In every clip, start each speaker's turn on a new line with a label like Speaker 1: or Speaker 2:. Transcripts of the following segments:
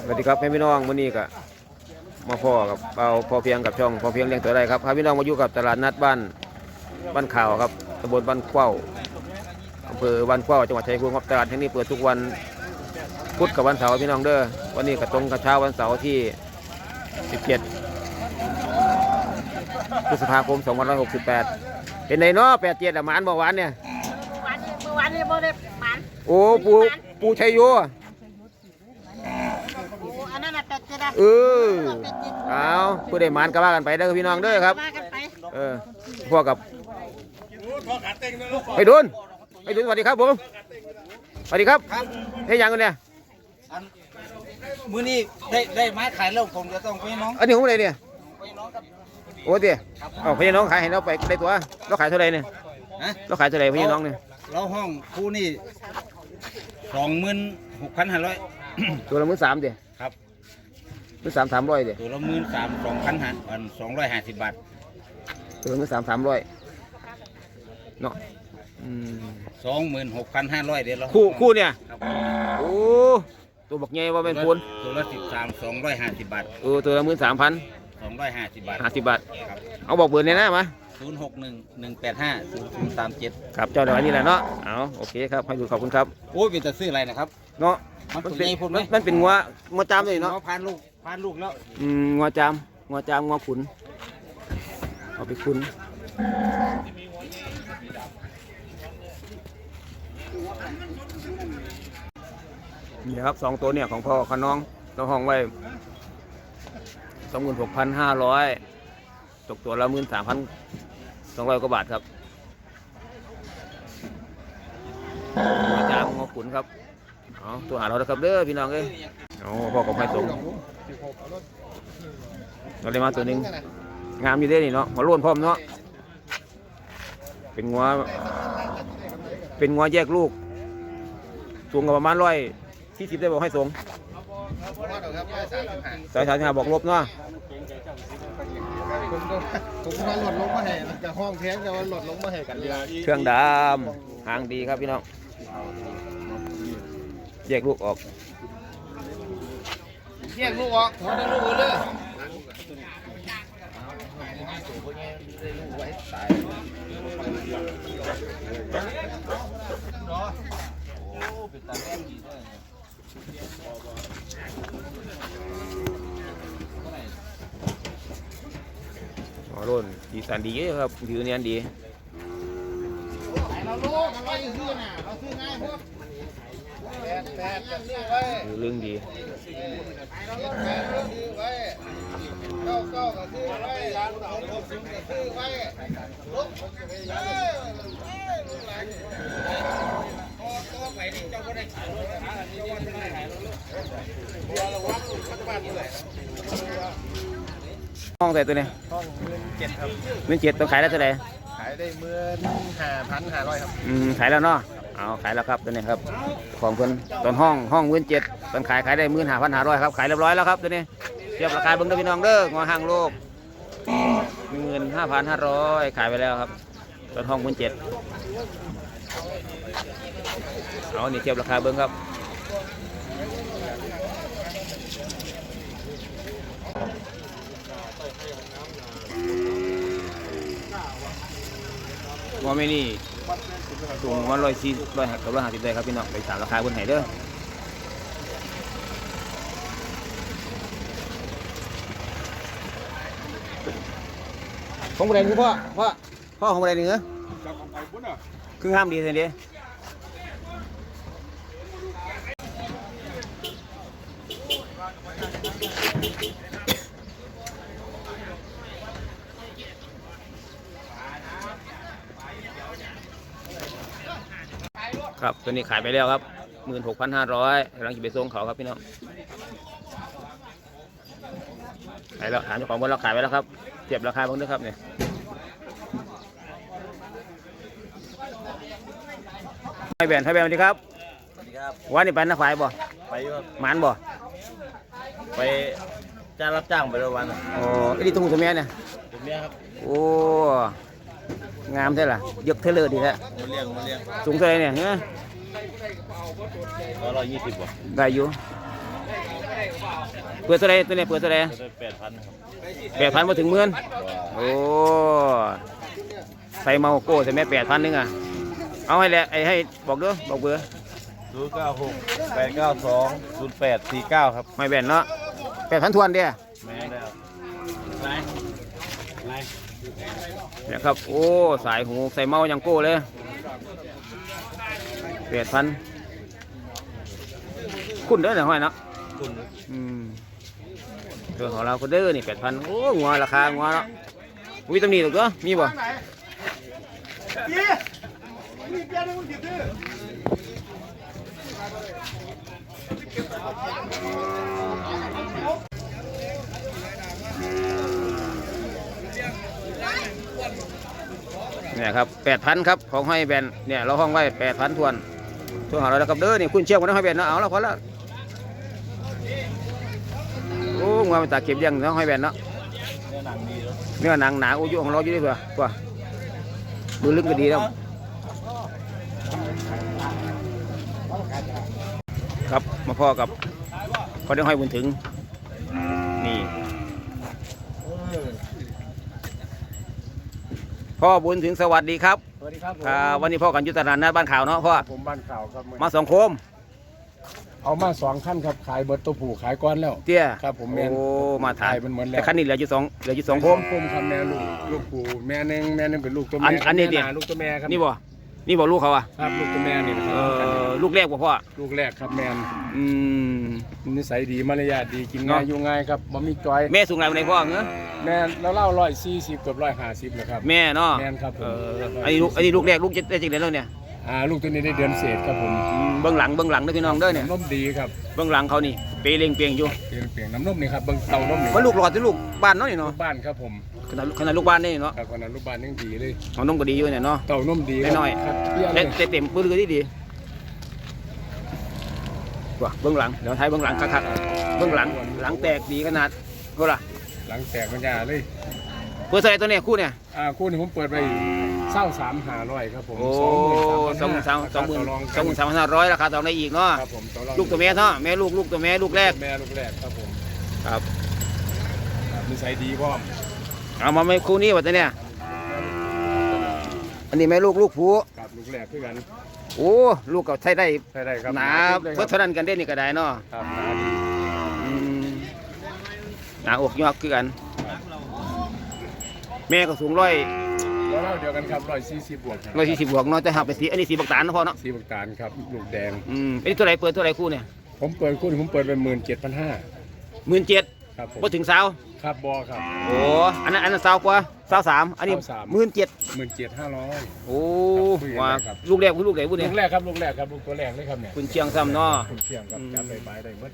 Speaker 1: สวัสดีครับพี่น้องวันนี้ก็มาพ่อกับเอาพอเพียงกับช่องพอเพียงเลี้ยงตัวได้ครับพาพี่น้องมาอยู่กับตลาดนัดบ้านข่าวครับตำบลบ้านเข้าอำเภอบ้านเข้าจังหวัดชัยภูมิครับตลาดแห่งนี้เปิดทุกวันพุธกับวันเสาร์พี่น้องเด้อวันนี้ก็ตรงกับเช้าวันเสาร์ที่17พฤษภาคม2568เป็นไงเนาะ87อ่ะหมานบ่หวานเนี่ย
Speaker 2: เมื่อวานนี้บ่ได้หมัน
Speaker 1: โอ้ปูชัยโย
Speaker 2: อันนั้นน่ะเป็ดจะ
Speaker 1: เอาผู้ใดหมานก็ว่ากันไปเด้อพี่น้องเด้อครับพวกกับไปดุนสวัสดีครับผมสวัสดีครับให้ยังกันเนี่ย
Speaker 3: มื้อนี้ได้ไม้ขายแล้วผมจะต้องไปน้อง
Speaker 1: อันนี้ของอะไรเนี่ย
Speaker 3: ไปน้องครับ
Speaker 1: โอ้เดี๋ยวเอาพี่น้องขายให้เราไปได้ตัวเราขายเท่าไรเนี่ยเราขายเท่าไรพี่น้องเนี่ย
Speaker 3: เราห้องคู่นี่26,500
Speaker 1: ตัวละ13,000เดี๋ยว
Speaker 3: ครับ
Speaker 1: 13,300เดี๋ยว
Speaker 3: ตัวละ13,250 บาท
Speaker 1: ตัวละ13,300เนาะ
Speaker 3: 26,500เดี๋ยวเรา
Speaker 1: คู่เนี่ยโอ้ตัวบักใหญ่ว่าเป็นปูน
Speaker 3: ตัวละ13,250 บาท
Speaker 1: ตัวละ13,250
Speaker 3: บาท
Speaker 1: 50 บาทเอาบอกเบอร์เนี่ยนะมา
Speaker 3: 0611850037
Speaker 1: ครับเจ้าเดี๋ยวนี้แหละเนาะเอาโอเคครับให้ดูขอบคุณครับ
Speaker 3: โอ้ยเป็นจะซื้ออะไรนะครับ
Speaker 1: เนาะ
Speaker 3: มัน
Speaker 1: เป็นงัวจามเลยเนาะ
Speaker 3: พานลูกแล้ว
Speaker 1: งัวจามงัวขุนเอาไปขุนนี่ครับ2ตัวเนี่ยของพ่อขน้องเราห้องไว้26,500ตกตัวละ13,200 กว่าบาทครับงัวจามงัวขุนครับตัวหาเราแล้วครับเด้อพี่น้องเอ้ยพ่อกับพ่อสงเราได้มาตัวหนึ่งงามอยู่ได้นี่เนาะหัวโล้นพร้อมเนาะเป็นงัวแยกลูกสูงกับประมาณ140ได้บอกให้สูง135บอกลบเนาะ
Speaker 4: ผมว่าหลดลงมาให้กับห้องแท้แต่ว่าหลดลงมาให้กันเดียว
Speaker 1: เครื่องดำหางดีครับพี่น้องแยกลูกออก
Speaker 4: หัวได้ลูกเลย
Speaker 1: รุ่นดีสันดีครับผิวเนียนดี
Speaker 4: เราลูกเราซื้อน่ะเราซื้อง่ายพวกแปดซื้อไว้
Speaker 1: เรื่องดี
Speaker 4: ซื้อไว้เก้าก็ซื้อไว้60ก็ซื้อไว้ลุกตัวไปนี่เจ้าก็ได้ขายรถนะอันนี้ว่าไม่ได้ขายรถเราวัดสักบาทเท่าไหร่
Speaker 1: ห้องใส่ตัวนี้
Speaker 4: ห้อง17,000ครับ
Speaker 1: 17,000ต้องขายได้เท่าไหร่
Speaker 4: ขายได้15,500ครับ
Speaker 1: ขายแล้วเนาะเอาขายแล้วครับตัวนี้ครับของเพิ่นตอนห้อง17,000ตอนขายได้15,500ครับขายเรียบร้อยแล้วครับตัวนี้เทียบราคาเบิ่งเด้อพี่น้องเด้องอห้างโลก15,500ขายไปแล้วครับตอนห้อง17,000เอานี่เทียบราคาเบิ่งครับว่าไม่นี่สูงว่า150ได้ครับพี่น้องไปถามราคาบนไหนเด้อของบริเวณคือพ่อของบริเวณเหนือคือห้ามดีสิเดียครับตัวนี้ขายไปแล้วครับ16,500กำลังจะไปส่งเขาครับพี่น้องขายแล้วถามเจ้าของบนเราขายไปแล้วครับเทียบราคาบ้างด้วยครับเนี่ยให้แบนสวัสดีครับ
Speaker 3: สวัสดีครับ
Speaker 1: วันนี้ไปนักฝ่ายบ่
Speaker 3: ไปครับ
Speaker 1: หมานบ่
Speaker 3: ไปจ้างรับจ้างไปวัน
Speaker 1: อ๋อไอ้นี่ตุ้งตัวเมียเนี่ย
Speaker 3: ตัวเมียครับ
Speaker 1: โอ้งามใช่หรอยกเทเลอร์ดีแล้ว
Speaker 3: เลี้ยง
Speaker 1: สูงเท่าไรเนี่ย
Speaker 3: 120 บ่
Speaker 1: ได้อยู่เปิดเท่าไรตัวนี้เปิดเท่าไร
Speaker 4: 8,000ครับ
Speaker 1: 8,000มาถึงหมื่นโอ้ใส่เมาโก้ใส่แม่8,000นึงอ่ะเอาให้แหละให้บอกเด้อบอกเบอร์
Speaker 4: 096 892 0849ครับ
Speaker 1: ไม่แบนเนาะ8,000ทวนเด้อ
Speaker 4: แม่แล้ว
Speaker 1: เนี่ยครับโอ้สายหูใส่เมาอย่างโก้เลย8,000คุณเด้อเนี่ยห้อยเนาะ
Speaker 4: คุณ
Speaker 1: ตัวของเราก็เด้อนี่8,000โอ้งัวราคางัวเนาะมีตำหนิหรือเปล่ามีบ่เนี่ยครับ8,000ครับของห้อยแบนเนี่ยเราห้องไว้8,000ทวนตัวของเราแล้วกับเด้อนี่คุณเชี่ยวกันนะห้อยแบนเนาะเอาแล้วพอแล้วโอ้งัวมันตาเก็บเลี้ยงเนาะห้อยแบนเนาะ
Speaker 4: เนื้อหนังดีแล้ว
Speaker 1: เนื้อหนังหนาโอ้ยของเราอยู่ด้วยเผื่อตัวมือลึกก็ดีแล้วครับมาพ่อกับพอได้ห้อยบุญถึงนี่พ่อบุญถึงสวัสดีครับ
Speaker 5: สวัสดีครับผม
Speaker 1: วันนี้พ่อกันอยุตลาดนัดบ้านข่าวเนาะพ่อ
Speaker 5: ผมบ้านข่าวครับ
Speaker 1: มาสองโคม
Speaker 5: เอามา2ขั้นครับขายเบิร์ตตัวผู้ขายก้อนแล้ว
Speaker 1: เตี้ย
Speaker 5: ครับผมแม่น
Speaker 1: โอ้มาถ่าย
Speaker 5: มันเหมือนแล้ว
Speaker 1: แต่คันนี้เหลืออยู่สองโคม
Speaker 5: โคมครับแม่ลูกผู้แม่หนึงเป็นลูกตัว
Speaker 1: อั
Speaker 5: แม่
Speaker 1: นนี้ดิ
Speaker 5: แม่หาลูกตัวแม่ครับ
Speaker 1: นี่บ่ลูกเขาอ่ะ
Speaker 5: ครับลูกตัวแม่นี่นะค
Speaker 1: เอ
Speaker 5: รับ
Speaker 1: ลูกแรกบ่พ่อ
Speaker 5: ลูกแรกครับแม่น
Speaker 1: อืม
Speaker 5: นิสัยดีมารยาทดีกินง่าย
Speaker 1: เนาะ
Speaker 5: อยู่ง่ายครับบ่มีจอย
Speaker 1: แม่สูงไรวันไหนพ่อเงื้อ
Speaker 5: แม่แล้วเล่า140กับ150นะครับ
Speaker 1: แม่เนาะ
Speaker 5: แม่นครับผม
Speaker 1: อันนี้ลูกแรกลูกจะได้จังได๋แล้วเนี่ย
Speaker 5: ลูกตัวนี้ได้เดือนเศษครับผม
Speaker 1: เบื้องหลังเด้อพี่น้องเด้อเนี่ย
Speaker 5: น้ำนมดีครับ
Speaker 1: เบื้องหลังเขานี่เปเร่งเปียงอยู่
Speaker 5: เปลี่ยนน้ำนมนี่ครับเบิ่งเต่านมนี่
Speaker 1: มันลูกหลอดที่ลูกบ้านเนาะนี่
Speaker 5: ลู
Speaker 1: เนาะ
Speaker 5: กบ้านครับผม
Speaker 1: ขนาดลูกบ้านนี่เนาะ
Speaker 5: ครับขนาดลูกบ้านยังดีเลย
Speaker 1: ของน้องก็ดีอยู่เนี่ยเนาะ
Speaker 5: เต่านมดี
Speaker 1: น้อยๆ
Speaker 5: ครับเปรี้ยวเลย
Speaker 1: แต่เต็มปื้อก็ดีว่ะเบื้องหลังเดี๋ยวท้ายเบื้องหลังคักๆเบื้องหลังแตกดีขนาดโหล่ะ
Speaker 5: หลังแตกมันยาเลย
Speaker 1: เปิดใส่ตัวเนี่ยคู่เนี่ย
Speaker 5: คู่นี้ผมเปิดไป23,500ครับผม
Speaker 1: โอ้
Speaker 5: 23,500
Speaker 1: 23,500ราคาต่อได้อีกเนาะ
Speaker 5: ครับผมอง
Speaker 1: ลูกตัวแม่เนาะแม่ลูกตัวแม่ลูกแรก
Speaker 5: แม่ลูกแรกครับผม
Speaker 1: ครับ
Speaker 5: ครับนิสัยดีพร้อม
Speaker 1: เอามาไม่คู่นี้วะตัวเนี่ยอันนี้แม่ลูกผู้
Speaker 5: ครับลูกแรกคือกัน
Speaker 1: โอ้ลูกก็ใช้ได้
Speaker 5: ใช่ได้ครับ
Speaker 1: หนา
Speaker 5: เลย
Speaker 1: เพื่อเท่านั้นกันได้นี่ก็ได้เนาะ
Speaker 5: ครับหนาดี
Speaker 1: อืมหนาอกยอกคือกัน แม่ก็สูงร้อย
Speaker 5: แล้วเล่าเดียวกันครับ140บวกครับ
Speaker 1: 140บวกเนาะแต่หักไปสีอันนี้สีบักตาลนะพ่อเนาะ
Speaker 5: สีบักตาลครับลูกแดง
Speaker 1: อันนี้ตัวไหนเปิดตัวไหนคู่เนี่ย
Speaker 5: ผมเปิดคู่นี้ผมเปิดไป17,500
Speaker 1: 17,000
Speaker 5: ครับผม
Speaker 1: พอถึงสาว
Speaker 5: ครับบอครับ
Speaker 1: โอ้อันนั้นสาวกว่าสาว3อันนี้
Speaker 5: 23,000
Speaker 1: 17,000
Speaker 5: 17,500
Speaker 1: โอ้
Speaker 5: คุยกัน
Speaker 1: ว่า
Speaker 5: ได้ครับ
Speaker 1: ลูกแรกลูกไหนพูด
Speaker 5: ลู
Speaker 1: เนี่ย
Speaker 5: กแรกครับลูกแรกครับลูกตัวแรกเลยครับเนี่ย
Speaker 1: คุณเชียงซ้ำเนาะ
Speaker 5: คุณเชียงครับจับไปได้หมด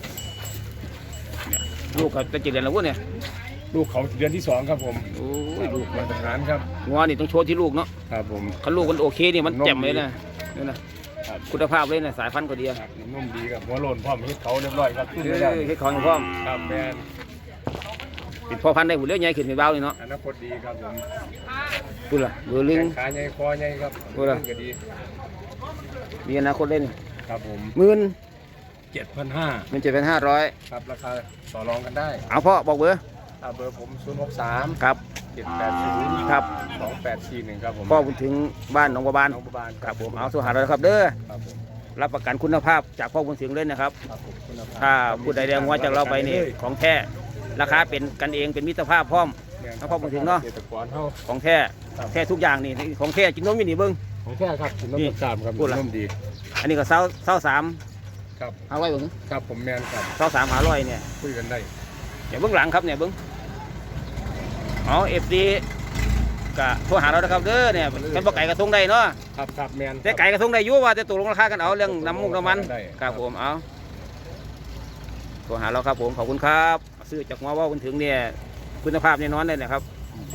Speaker 1: ลูกก็จะ7 เดือนแล้วพูดเนี่ย
Speaker 5: ลูกเขาเดือนที่2ครับผม
Speaker 1: โอ้ยลูก
Speaker 5: มาตรฐานครับ
Speaker 1: งัวนี่ต้องโชว์ที่ลูกเนาะ
Speaker 5: ครับผม
Speaker 1: คันลูกมันโอเคนี่มันแจ่มเลยนะนี่นะครับ คุณภาพเลยนะสายพันธุ์ก็ดี
Speaker 5: ครับนุ่มดีครับหัวโลนพร้อมเฮ็ดเขาเรียบร้อยครับขึ้นไป
Speaker 1: เฮ้
Speaker 5: แล้ว
Speaker 1: ยเฮ็ดของพร้อม
Speaker 5: ครับแมน
Speaker 1: เป็นพ่อพันธุ์ได้หุ่นเลี้ยงใหญ่ขึ้นเป็นเบาเลยเนาะ
Speaker 5: อนาคตดีครับผม
Speaker 1: พูดล่ะเรือลิง
Speaker 5: แข้งขาใหญ่คอใหญ่ครับ
Speaker 1: โอ้ล่ะ
Speaker 5: ก็ดี
Speaker 1: มีอนาคตเลยนี่
Speaker 5: ครับผม
Speaker 1: 17,500
Speaker 5: 7,500ครับราคาต่อรองกันได้
Speaker 1: เอาพ่อบอกเบอร์
Speaker 5: เบอร์ผม063
Speaker 1: ครับ
Speaker 5: 780
Speaker 1: ครับ
Speaker 5: 2841ครับผม
Speaker 1: พ่อบุญถึงบ้านหนองบัวบาน
Speaker 5: น้องประบาล
Speaker 1: ครับผมเอาสุหาเราครับเด้อ
Speaker 5: ครับผม
Speaker 1: รับประกันคุณภาพจากพ่อบุญถึงเลยนะครับ
Speaker 5: ครับผมคุณภาพ
Speaker 1: ถ้าผู้ใดแดงว่าจากเราไปนี่ของแท้ราคาเป็นกันเองเป็นมิตรภาพพร้อม เอาพอมาถึงเนาะ
Speaker 5: เกษตรกรเฮา
Speaker 1: ของแท้แท้ทุกอย่างนี่ของแท้กินนมอยู่นี่เบิ้ง
Speaker 5: ของแท้ครับกิน
Speaker 1: นี่
Speaker 5: น้ำตาลครับ
Speaker 1: พูดล่ะ
Speaker 5: นุ่มดี
Speaker 1: อันนี้ก็เศร้าสาม
Speaker 5: ครับ
Speaker 1: เอาไว้เบิ้ง
Speaker 5: ครับผมแมนครับ
Speaker 1: เศร้า3 500เนี่ย
Speaker 5: คุยกันได้
Speaker 1: เนี่ยเบื้องหลังครับเนี่ยเบิ้งเอาFD กะโทรหาเรานะครับเด้อเนี่ยเป็นบ่ไก่กระทงได้เนาะ
Speaker 5: ครับครับแมน
Speaker 1: แต่ไก่กระทงได้อยู่ว่าจะตกลงราคากันเอาเรื่องน้ำมุกน้ำมัน
Speaker 5: ได้
Speaker 1: ครับผมเอาโทรหาเราครับผมขอบคุณครับซื้อจากมาว่าคุณถึงเนี่ยคุณภาพแน่นอนเลยนะครับ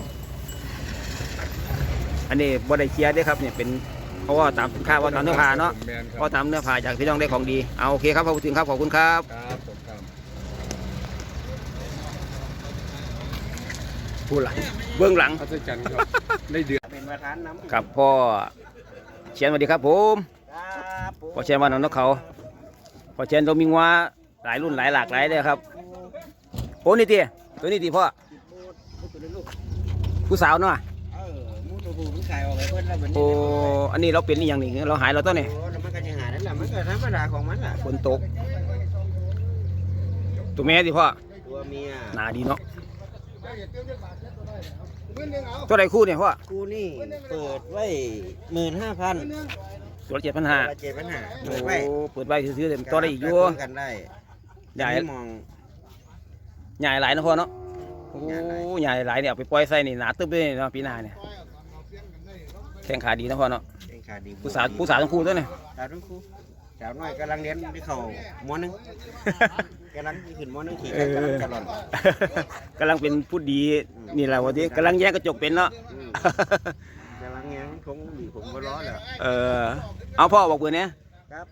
Speaker 1: อันนี้บ่ได้เคลียร์เด้อครับเนี่ยเป็นเพราะว่าตามสินค้าว่าตามเนื้อผ้าเนาะ
Speaker 5: แมนค
Speaker 1: เพ
Speaker 5: รับ
Speaker 1: ราะตามเนื้อผ้าจากพี่น้องได้ของดีเอาโอเคครับขอบคุณครับขอบคุณครับ
Speaker 5: ครับผมครับ
Speaker 1: พูดละเบื้องหลัง
Speaker 5: พัฒจันทร์ครับได้เดือน
Speaker 2: เป็นประธานน้ำ
Speaker 1: ครับพ่อเชียนสวัสดีครับผม
Speaker 2: ครับผม
Speaker 1: พ่อเชียนว่านนกเขาพ่อเชียนเรามีงัวหลายรุ่นหลายหลากหลายเลยครับ
Speaker 2: โอ้
Speaker 1: โอ้นี่ตีตัวนี้ตีพ่อผู้สาวเนาะ
Speaker 3: มูตัวผู้มันขายออกไปเพิ่นแล้วมัน
Speaker 1: โอ้อันนี้เราเป็นนี่อย่างนี้เราหายเราต้นนี่
Speaker 3: แล้วมันก็จะหานั่นแหละมันก็ธรรมดาของมันล่ะ
Speaker 1: ฝนตกตัวแม่ตีพ่อ
Speaker 3: ตัวเมีย
Speaker 1: หนาดีเนาะตัวใดคู่เนี่ยพ่อ
Speaker 3: กูนี่เปิดไว้15,000
Speaker 1: ตัว7,500
Speaker 3: 7,500เปิดไว้
Speaker 1: โอ้เปิดไว้ซื้อๆเต็มตัวได้อีกอยู่
Speaker 3: กันได้
Speaker 1: ใหญ่
Speaker 3: มอง
Speaker 1: ใหญ่หลายนะพ่อเนาะโอ้ใหญ่หลายเนี่ยเอาไปปล่อยใส่นี่หนาตึ๊บเลยเนาะปีหน้าเนี่ยแข้งขาดีนะพ่อเนาะ
Speaker 3: เป็นขาดี
Speaker 1: ผู้สาวทั้งคู่ตัวเนี่ย
Speaker 3: สาวทั้งคู่สาวน้อยกำลังเรียนที่เขาม.1 กำลังขึ้นม.1ขี่กันกำลังกระหล่อน
Speaker 1: กำลังเป็นผู้ดีนี่แหละวันนี้กำลังแยกกระจกเป็นเนาะ
Speaker 3: กำลังแง้มคงดีผมก็ร้อแล้ว
Speaker 1: เอาพ่อบอกเบอร์เนี้ย
Speaker 3: ครับ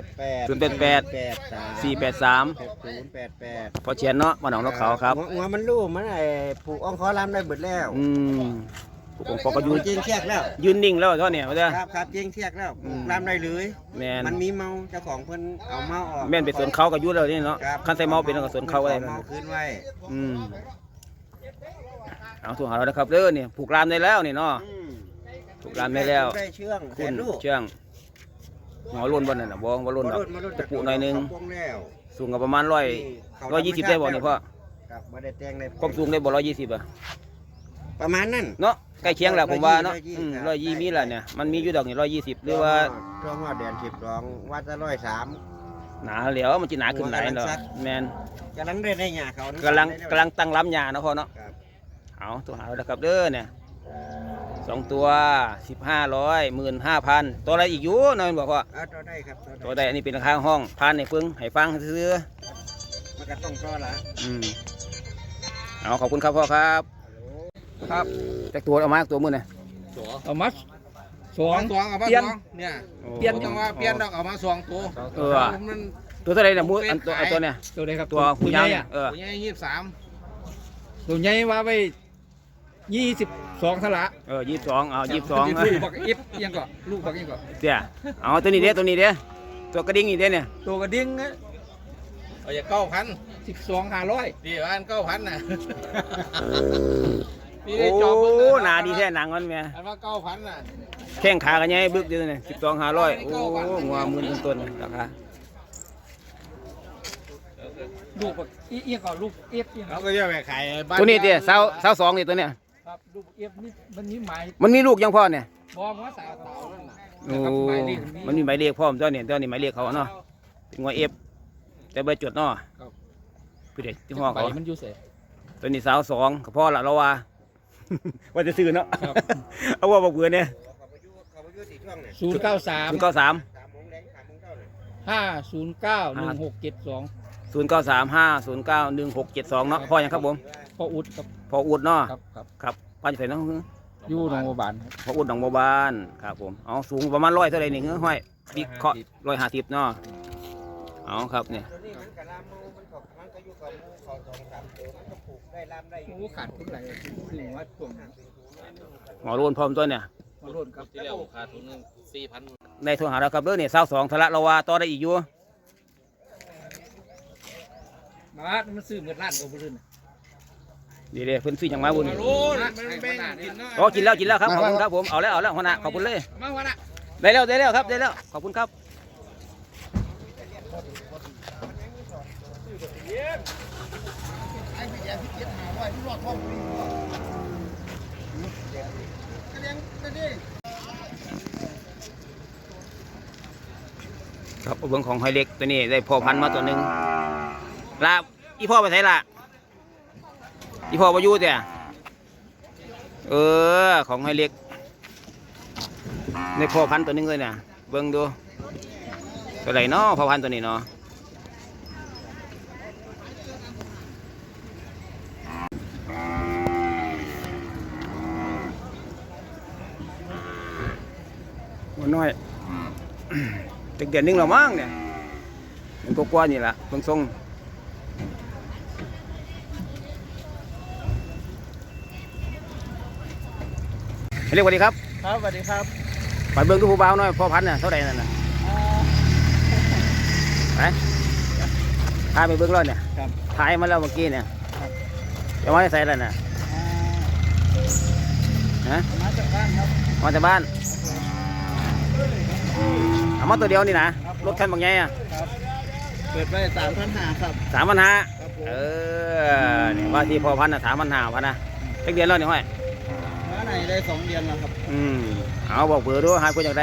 Speaker 1: 483 พอเชียนเนาะมาหนองนกเขาครับ
Speaker 3: หัวมันรูมันไอ้ผูกอ่องคอลำได้เบิดแล้ว
Speaker 1: ผมพอก็ยืน
Speaker 3: เจียงเทียกแล้ว
Speaker 1: ยืนนิ่งแล้วเท่าเนี่ยว่าจะ
Speaker 3: ครับเจียงเทียกแล้วผูกลำได้เลย
Speaker 1: แม่น
Speaker 3: มันมีเมาเจ้าของเพิ่นเอาเมาออก
Speaker 1: แม่นไปสวนเขากับยุทธแล้วนี่เนาะขั้นใส่เมาเป็นกับสวนเขาอะไร
Speaker 3: เมาคืนไว้
Speaker 1: เอาถูกหาเราแล้วครับเด้อเนี่ยผูกรามได้แล้วนี่เนาะผูกรามได้แล้ว
Speaker 3: ได้เชื่องแส
Speaker 1: คุณ
Speaker 3: นลูก
Speaker 1: เชื่องหัวล้นบนนั่นน่ะบ่หัวล้นดอกตะปูหน่อยนึงสูงกับประมาณ120ได้บ่นี่พ่อ
Speaker 3: ครับบ่ได้แต่งได้
Speaker 1: ความสูงได้บ่120อ่ะ
Speaker 3: ประมาณนั้น
Speaker 1: เนาะใกล้เคียงแล้วผมว่าเนาะ
Speaker 3: 120
Speaker 1: 120มีแหละเนี่ยมันมีอยู่ดอกนี่120หรือว่า
Speaker 3: ช่วงว่าเดือน12วัดจะ103
Speaker 1: หนาเหลียวมันจะหนาขึ้นหลายเนาะแมน
Speaker 3: กำลังได้หญ้าเขา
Speaker 1: กำลังตั้งล้ำยาเนาะพ่อเนาะ
Speaker 3: ครับ
Speaker 1: เอาตัวหาแล้วครับเด้อเนี่ย2ตัว1500 15,000ตัวอะไรอีกอยู่น้อยบอกว่า
Speaker 3: ตัวได้ครับ
Speaker 1: ตัวใดอันนี้เป็นราคาห้องพันในเพิ่งให้ฟังซื้อ
Speaker 3: มันก็ต้องต่อละ
Speaker 1: เอาขอบคุณครับพ่อครับครับจากตัวเอามาตัวมือเนี่ย
Speaker 5: เอามาสอง
Speaker 4: ตัวเอามา
Speaker 5: เปลี่ยน
Speaker 4: สองเนี่ย
Speaker 5: เปลี่ยน
Speaker 4: ต้องว่าเปลี่ยนดอกเอามาสองตัว มัน
Speaker 1: ตัวเท่าไรเนี่ยมืออันตัวเนี่ย
Speaker 5: ตัวไหนครับ
Speaker 1: ตัวผู้ใหญ่
Speaker 5: อ่ะ
Speaker 4: ตัวใหญ่23
Speaker 5: ตัวใหญ่ว่าไป22ทละ
Speaker 1: 22เอา22
Speaker 5: ลูกบักอิฟยังก่อนลูกบักยังก่อน
Speaker 1: เดี๋ยวเอาตัวนี้เด้ตัวนี้เด้ตัวกระดิ่งนี่เด้เนี่ย
Speaker 5: ตัวกระดิ่ง
Speaker 4: เอาอย่า9,000
Speaker 5: 12,500
Speaker 4: ดีว่าอัน9,000น่ะ
Speaker 1: โอ้หนาดีแท้หนังมันแม่
Speaker 4: อันว่า9,000น่ะ
Speaker 1: แข้งขากันยังบึกอยู่เนี่ย12,500โอ้งัวหมื่นต้นๆราคา
Speaker 5: ลูกบักอีก่อนลูกเอฟยัง
Speaker 4: เราก็จะไปขายบ้าน
Speaker 1: ตัวนี้เด้สาว2นี่ตัวเนี่ย
Speaker 5: ครับลูกเอฟนี่มันมีหมาย
Speaker 1: มันมีลูกยังพ่อเนี่ย
Speaker 5: บอกว่าสาวเต่านั่นน่ะ
Speaker 1: โอ้มันมีหมายเลขพ่อมตัวเนี่ยตัวนี้หมายเลขเขาเนาะเป็นงัวเอฟแต่เบอร์จดเนาะพี่เด็กที่ห้องเขา
Speaker 5: มันอยู่เสย
Speaker 1: ตัวนี้สาว2กับพ่อละเราว่า ว่าจะซื้อเนาะเอาว่าบอกเบื่อเนี่ย
Speaker 5: 093
Speaker 1: 093
Speaker 5: 509 1672
Speaker 1: 0935091672เนาะพ่อยังครับผม
Speaker 5: พ่ออุดครับ
Speaker 1: พ่ออุดเนาะ
Speaker 5: ครับ
Speaker 1: ครับป้าจะใส่เนาะ
Speaker 5: อยู่หนองบัวบาน
Speaker 1: พ่ออุดหนองบัวบานครับผมเอาสูงประมาณ100เท่าไรนี่เฮ้ยห้อยปีเคาะ150เนาะเอาครับเนี่ย
Speaker 5: โอ้ขาดทุกไหนถึงว่าช่วง
Speaker 1: หมอรุ่นพร้อมตัวเนี่ย
Speaker 5: มาโร่นครับ
Speaker 4: ที่แล้วขาดทุนนึง4,000
Speaker 1: ในโทรหาเราครับเด้อเนี่ย22ทะละเราว่าต่อได้อีกอยู่
Speaker 5: มามันซื้อเงินล้านกว่าบริษัท
Speaker 1: เดี๋ยวเพิ่นซื้อหยังมาบุญ
Speaker 4: โอ้ยมันแบ่งกินเนาะ
Speaker 1: อ๋อกินแล้วครับขอบคุณครับผมเอาแล้วหัวหน้าขอบคุณเลย
Speaker 4: มาวันน่ะ
Speaker 1: ได้แล้วครับได้แล้วขอบคุณครับครับเบื้องของหอยเล็กตัวนี้ได้พ่อพันธุ์มาตัวหนึ่งลาอีพ่อไปไหนล่ะอีพ่อมาอยู่แต่ของหอยเล็กในพ่อพันธุ์ตัวหนึงเลยน่ะเบิ่งดูตัวไหนเนาะพ่อพันธุ์ตัวนี้เนาะหัวน้อย ตึกเดือนนึงเรามั้งเนี่ยมันก็กว่านี่แหละเบิ่งทรงเรียกว่าดีครับ
Speaker 5: ครับสวัสดีครับ
Speaker 1: ไปเบิ่งดูผู้บ่าวหน่อยพ่อพันธุ์น่ะเท่าไหร่นั่นน่ะไปถ่ายไปเบิ่งแล้วเนี่ย
Speaker 5: ครับ
Speaker 1: ถ่ายมาแล้วเมื่อกี้เนี่ยจะมาใส่อะไรน่ะฮะ
Speaker 3: มาจากบ้านครับ
Speaker 1: มาจากบ้านเอามาตัวเดียวนี่นะรถคันบางไงอ่ะ
Speaker 3: เปิดไป3,500ครับ
Speaker 1: 3,500
Speaker 3: ครับผม
Speaker 1: เนี่ยว่าที่พอพันธุ์น่ะ3,500พันนะเจ็ดเดือนแล้วนี่ห้อย
Speaker 3: มาไหนได้2เดือนแล้วครับ
Speaker 1: เอาบอกเบอร์ด้วยหาคนอยากได้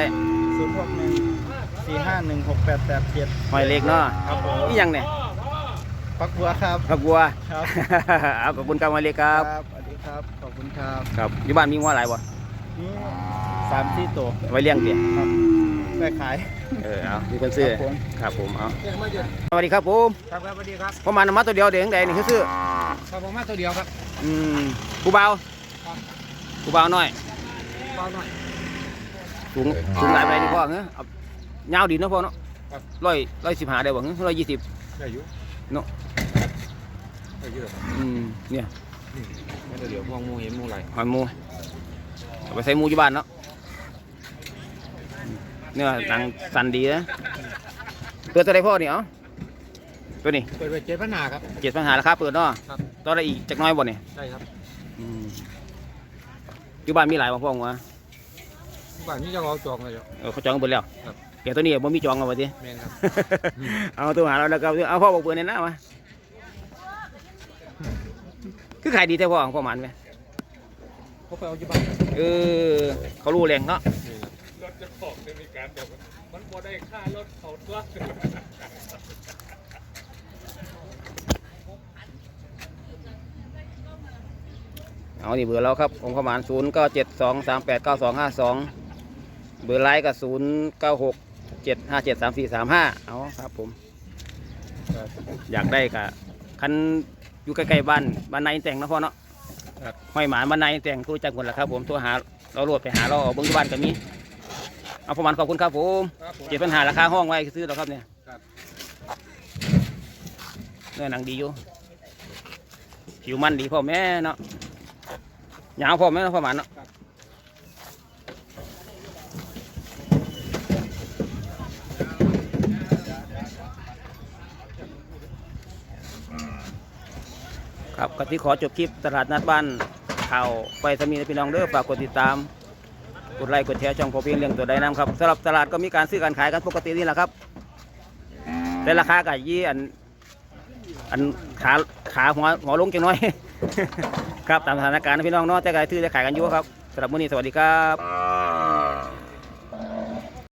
Speaker 3: 061 451 6887
Speaker 1: ห้อยเล็กเนาะ
Speaker 3: ครับผม
Speaker 1: นี่ยังเนี่ย
Speaker 3: ปักบัวครับ
Speaker 1: ครับบัว
Speaker 3: ครับ
Speaker 1: เอาขอบคุณครับห้อยเล็กครับ
Speaker 3: สวัสดีครับขอบคุณครับ
Speaker 1: ครับอยู่บ้านมีงัวหลายบ่
Speaker 3: นี่3-4ตัว
Speaker 1: ไว้เลี้ยงเตี๋ย
Speaker 3: ไปขาย
Speaker 1: เอามีคนซื้อ
Speaker 3: ครับผม
Speaker 1: ครับผมเอาสวัสดีครับผม
Speaker 3: ครับสวัสดีครับ
Speaker 1: ประมาณมาตัวเดียวเดี๋ยวยังไงนี่คือซื้อ
Speaker 3: ครับผมมาตัวเดียวครับ
Speaker 1: ผู้เบาผู้เบาหน่อย
Speaker 3: เบาหน่อย
Speaker 1: สูงหลายไปนี่พ่อเงี้ยเอายาวดีเนาะพ่อเนาะ115ได้บ่เงี้ย120
Speaker 3: ได้อยู่
Speaker 1: เนาะ
Speaker 3: ได้อยู่
Speaker 1: เนี่ย
Speaker 3: มาตัวเดียวมองมูเห็นมูไหล
Speaker 1: หอยหมูเอาไปใส่หมูอยู่บ้านเนาะเนี่ยหนังสันดีนะตัวอะไรพ่อเนี่ยตัวนี้
Speaker 3: เปิดไป7,500ครับ
Speaker 1: 7,500ราคาเปิดเนาะ
Speaker 3: ครับ
Speaker 1: ตัวอะไรอีกจักหน้อยบ่เนี่ย
Speaker 3: ได้ครับ
Speaker 1: อยู่บ้านมีหลายบ่พ่อวะ
Speaker 3: บ้านนี้จะเอาจองเลยจ้ะ
Speaker 1: เขาจองกันเบิดแล้ว
Speaker 3: ครับ
Speaker 1: เดี๋ยวตัวนี้บ่มีจองเอาไว้ดิ
Speaker 3: แม่นครับ
Speaker 1: เอาตัวหาเราแล้วก็เอาพ่อบอกเปิดในหน้ามาคือขายดีแต่พ่อของพ่อหมันไหม
Speaker 3: เขาไปเอาอยู่บ้าน
Speaker 1: เขารู้แรงเนาะ
Speaker 4: รถจะของในการแบบมันบ่ได้ค่ารถเขาตัว
Speaker 1: เอานี่เบอร์เราครับองค์ประมาณ0972389252เบอร์ไลน์ก็0967573435เอาครับผมอยากได้กะคันอยู่ใกล้ๆบ้านในแต่งนะพ่อเนาะห้อยหมาบ้านในแต่งตัวจักคนละครับผมตัวหาเราโหลดไปหาเราเอาเบิ้งที่บ้านก็มีเอาประมาณขอบคุณครับผม7,500ราคาห้องไว้ซื้อแล้วครับเนี่ยเนื้อหนังดีอยู่ผิวมันดีพ่อแม่เนาะยาวพ่อแม่เนาะพ่อหมันเนาะครับก็ที่ขอจบคลิปตลาดนัดบ้านข่าวไปสมีพี่น้องเด้อฝากกดติดตามกดไลค์กดแชร์ช่องพอเพียงเรื่องตัวใดน้ำครับสำหรับตลาดก็มีการซื้อการขายกันปกตินี่แหละครับแต่ราคาก็ยี่อันขาหัวลงจังน้อย ครับตามสถานการณ์นะพี่น้องเนาะแต่ก็ซื้อจะขายกันอยู่ครับสำหรับมื้อนี้สวัสดีครับ